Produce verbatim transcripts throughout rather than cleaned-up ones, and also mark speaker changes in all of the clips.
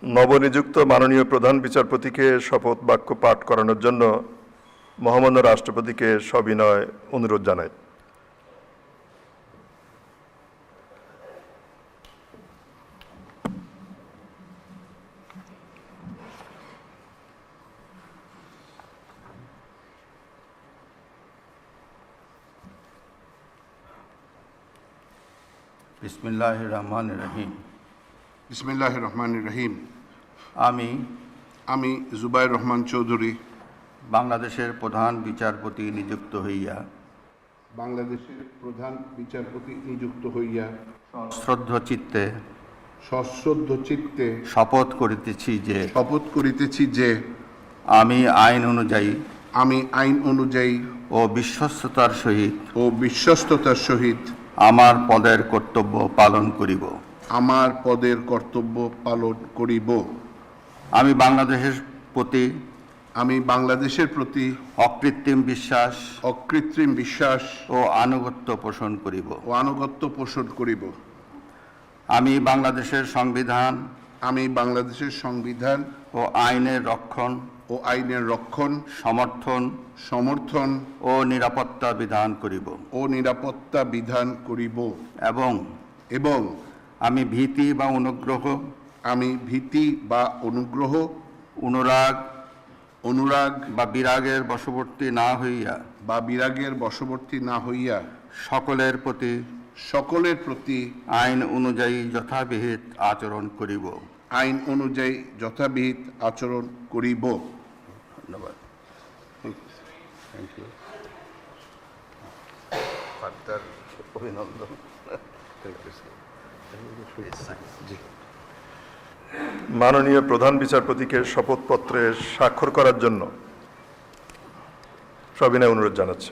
Speaker 1: নবনিযুক্ত মাননীয় প্রধান বিচারপতিকে শপথ বাক্য পাঠ করানোর জন্য মহামান্য রাষ্ট্রপতিকে সবিনয় অনুরোধ জানাই।
Speaker 2: বিসমিল্লাহির রহমানির রহিম।
Speaker 3: বিসমিল্লাহির রহমানির রহিম।
Speaker 2: আমি
Speaker 3: আমি জুবাইর রহমান চৌধুরী
Speaker 2: বাংলাদেশের প্রধান বিচারপতি নিযুক্ত হইয়া
Speaker 3: বাংলাদেশের প্রধান বিচারপতি নিযুক্ত হইয়া
Speaker 2: শ্রদ্ধ চিত্তে
Speaker 3: সশ্রদ্ধ চিত্তে
Speaker 2: শপথ করিতেছি যে
Speaker 3: শপথ করিতেছি যে
Speaker 2: আমি আইন অনুযায়ী
Speaker 3: আমি আইন অনুযায়ী
Speaker 2: ও বিশ্বস্ততার সহিত
Speaker 3: ও বিশ্বস্ততার সহিত
Speaker 2: আমার পদের কর্তব্য পালন করিব।
Speaker 3: আমার পদের কর্তব্য পালন করিব।
Speaker 2: আমি বাংলাদেশের প্রতি
Speaker 3: আমি বাংলাদেশের প্রতি
Speaker 2: অকৃত্রিম বিশ্বাস
Speaker 3: অকৃত্রিম বিশ্বাস
Speaker 2: ও আনুগত্য পোষণ করিব
Speaker 3: ও আনুগত্য পোষণ করিব।
Speaker 2: আমি বাংলাদেশের সংবিধান
Speaker 3: আমি বাংলাদেশের সংবিধান
Speaker 2: ও আইনের রক্ষণ
Speaker 3: ও আইনের রক্ষণ
Speaker 2: সমর্থন
Speaker 3: সমর্থন
Speaker 2: ও নিরাপত্তা বিধান করিব
Speaker 3: ও নিরাপত্তা বিধান করিব
Speaker 2: এবং
Speaker 3: এবং
Speaker 2: আমি ভীতি বা অনুগ্রহ
Speaker 3: আমি ভীতি বা অনুগ্রহ
Speaker 2: অনুরাগ
Speaker 3: অনুরাগ
Speaker 2: বা বিরাগের বশবর্তী না হইয়া
Speaker 3: বা বিরাগের বশবর্তী না হইয়া
Speaker 2: সকলের প্রতি
Speaker 3: সকলের প্রতি
Speaker 2: আইন অনুযায়ী যথাবিহিত আচরণ করিব।
Speaker 3: আইন অনুযায়ী যথাবিহিত আচরণ করিব।
Speaker 2: ধন্যবাদ।
Speaker 3: Thank you.
Speaker 2: অভিনন্দন।
Speaker 1: মাননীয় প্রধান বিচারপতিকে শপথপত্রে স্বাক্ষর করার জন্য সবিনয় অনুরোধ জানাচ্ছে।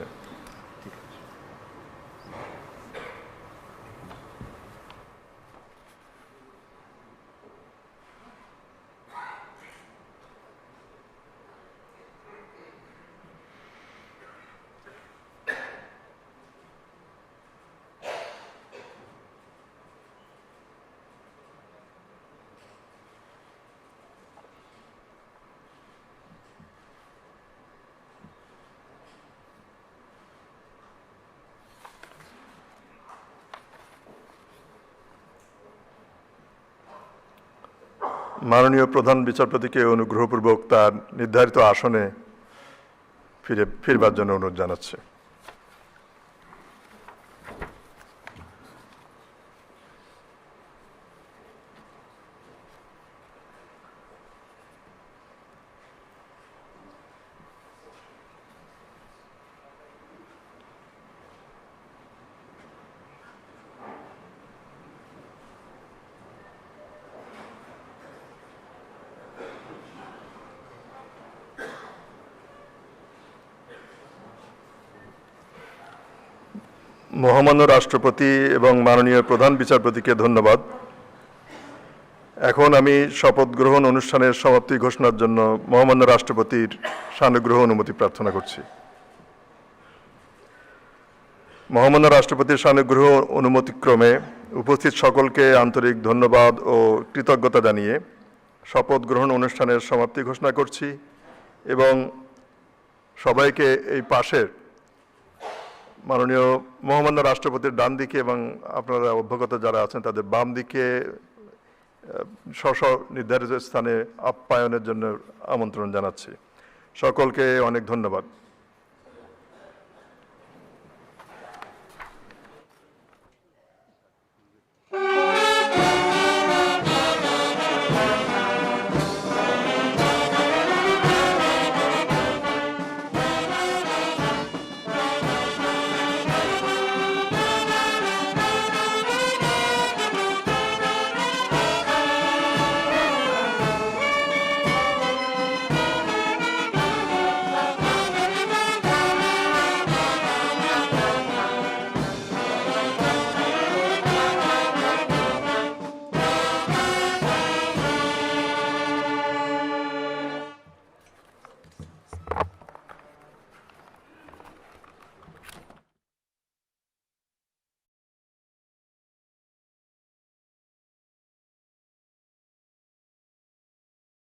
Speaker 1: মাননীয় প্রধান বিচারপতিকে অনুগ্রহপূর্বক তার নির্ধারিত আসনে ফিরে ফিরবার জন্য অনুরোধ জানাচ্ছে। মহামান্য রাষ্ট্রপতি এবং মাননীয় প্রধান বিচারপতিকে ধন্যবাদ। এখন আমি শপথ গ্রহণ অনুষ্ঠানের সমাপ্তি ঘোষণার জন্য মহামান্য রাষ্ট্রপতির সানুগ্রহ অনুমতি প্রার্থনা করছি। মহামান্য রাষ্ট্রপতির সানুগ্রহ অনুমতিক্রমে উপস্থিত সকলকে আন্তরিক ধন্যবাদ ও কৃতজ্ঞতা জানিয়ে শপথ গ্রহণ অনুষ্ঠানের সমাপ্তি ঘোষণা করছি এবং সবাইকে এই পাশের মাননীয় মহামান্য রাষ্ট্রপতির ডান দিকে এবং আপনারা অভ্যাগত যারা আছেন তাদের বাম দিকে স্ব স্ব নির্ধারিত স্থানে আপ্যায়নের জন্য আমন্ত্রণ জানাচ্ছি। সকলকে অনেক ধন্যবাদ।